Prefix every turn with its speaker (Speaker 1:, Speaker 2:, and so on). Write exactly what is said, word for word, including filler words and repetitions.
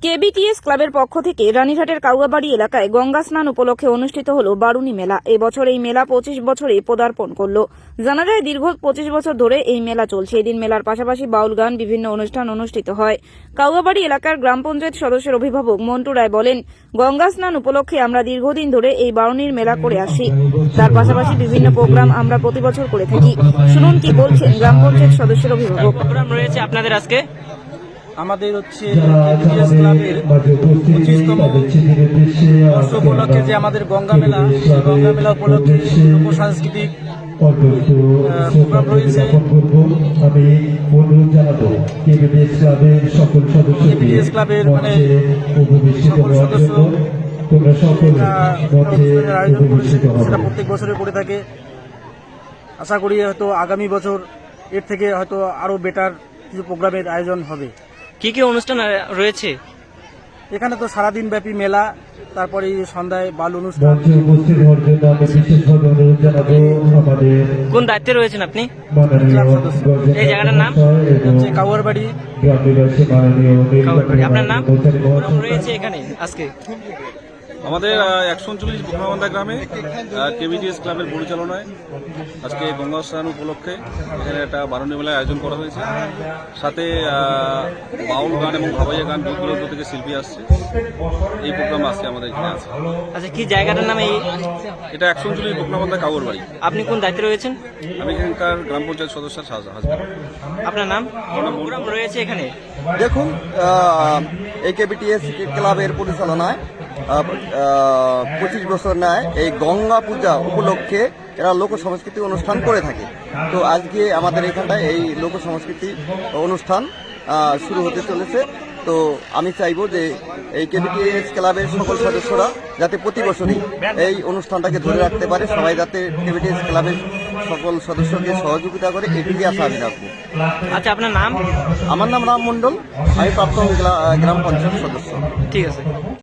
Speaker 1: কেবিটিএস ক্লাবের পক্ষ থেকে রানীঘাটের কাউয়াবাড়ি এলাকায় গঙ্গা স্নান উপলক্ষে অনুষ্ঠিত হল বারুণী মেলা। এবছর এই মেলা পঁচিশ বছরে পদার্পণ করল। জানা যায় দীর্ঘ পঁচিশ বছর ধরে এই মেলা চলছে। এদিন মেলার পাশাপাশি বাউল গান, বিভিন্ন অনুষ্ঠান অনুষ্ঠিত হয়। কাউয়াবাড়ি এলাকার গ্রাম পঞ্চায়েত সদস্যের অভিভাবক মন্টু রায় বলেন, গঙ্গা স্নান উপলক্ষে আমরা দীর্ঘদিন ধরে এই বারুণীর মেলা করে আসি। তার পাশাপাশি বিভিন্ন প্রোগ্রাম আমরা প্রতি বছর করে থাকি। শুনুন কি বলছেন গ্রাম পঞ্চায়েত সদস্যের অভিভাবক।
Speaker 2: প্রোগ্রাম রয়েছে আপনাদের আজকে।
Speaker 3: আমাদের হচ্ছে কেবিটিএস ক্লাবের পঁচিশতম বর্ষ উপলক্ষে যে আমাদের গঙ্গা মেলা, সেই গঙ্গা মেলা উপলক্ষে লোক সাংস্কৃতিক প্রোগ্রাম রয়েছে।
Speaker 4: আমি অনুরোধ জানাবো কেবিটিএস ক্লাবের সকল সদস্য
Speaker 3: কেবিটিএস ক্লাবের মানে সকল সদস্য
Speaker 4: তোমরা সকল
Speaker 3: আয়োজন করেছে, সেটা প্রত্যেক বছরে করে থাকে। আশা করি হয়তো আগামী বছর এর থেকে হয়তো আরো বেটার কিছু প্রোগ্রামের আয়োজন হবে।
Speaker 2: কি কি অনুষ্ঠান রয়েছে
Speaker 3: এখানে? তো সারাদিন ব্যাপী মেলা, তারপরে সন্ধ্যায় বাল অনুষ্ঠান।
Speaker 2: কোন দায়িত্বে রয়েছেন আপনি? এই জায়গাটার নাম
Speaker 3: হচ্ছে কাউয়ারবাড়ি।
Speaker 2: কাউয়ারবাড়ি। আপনার নাম? প্রোগ্রাম রয়েছে এখানে আজকে।
Speaker 5: আমাদের একশো উনচল্লিশ বোকনাবান্ধা গ্রামে কেবিটিএস ক্লাবের পরিচালনায় আজকে গঙ্গা স্নান উপলক্ষে এখানে একটা বারুণী মেলার আয়োজন করা হয়েছে। সাথে বাউল গান এবং ভাবাইয়া গান দূর দূরান্ত থেকে শিল্পী আসছে। এই প্রোগ্রাম আজকে আমাদের এখানে আছে।
Speaker 2: আচ্ছা, কি জায়গাটার নাম? এই
Speaker 5: এটা একশো উনচল্লিশ বোকনাবান্ধা কাউয়ারবাড়ি।
Speaker 2: আপনি কোন দায়িত্বে রয়েছেন?
Speaker 5: আমি এখানকার গ্রাম পঞ্চায়েত সদস্য হাজবেন্ড।
Speaker 2: আপনার নাম? প্রোগ্রাম রয়েছে এখানে।
Speaker 6: দেখুন, এই কেবিটিএস ক্লাবের পরিচালনায় পঁচিশ বছর নেয় এই গঙ্গা পূজা উপলক্ষে এরা লোক সংস্কৃতি অনুষ্ঠান করে থাকে। তো আজকে আমাদের এখানটায় এই লোক সংস্কৃতি অনুষ্ঠান শুরু হতে চলেছে। তো আমি চাইবো যে এই কেবিটিএস ক্লাবের সকল সদস্যরা যাতে প্রতি বছরই এই অনুষ্ঠানটাকে ধরে রাখতে পারে, সবাই যাতে কেবিটিএস ক্লাবের সকল সদস্যকে সহযোগিতা করে, এটুকুই আশা আমি রাখবো।
Speaker 2: আচ্ছা, আপনার নাম?
Speaker 6: আমার নাম রাম মণ্ডল, আমি প্রাক্তন গ্রাম পঞ্চায়েত সদস্য।
Speaker 2: ঠিক আছে।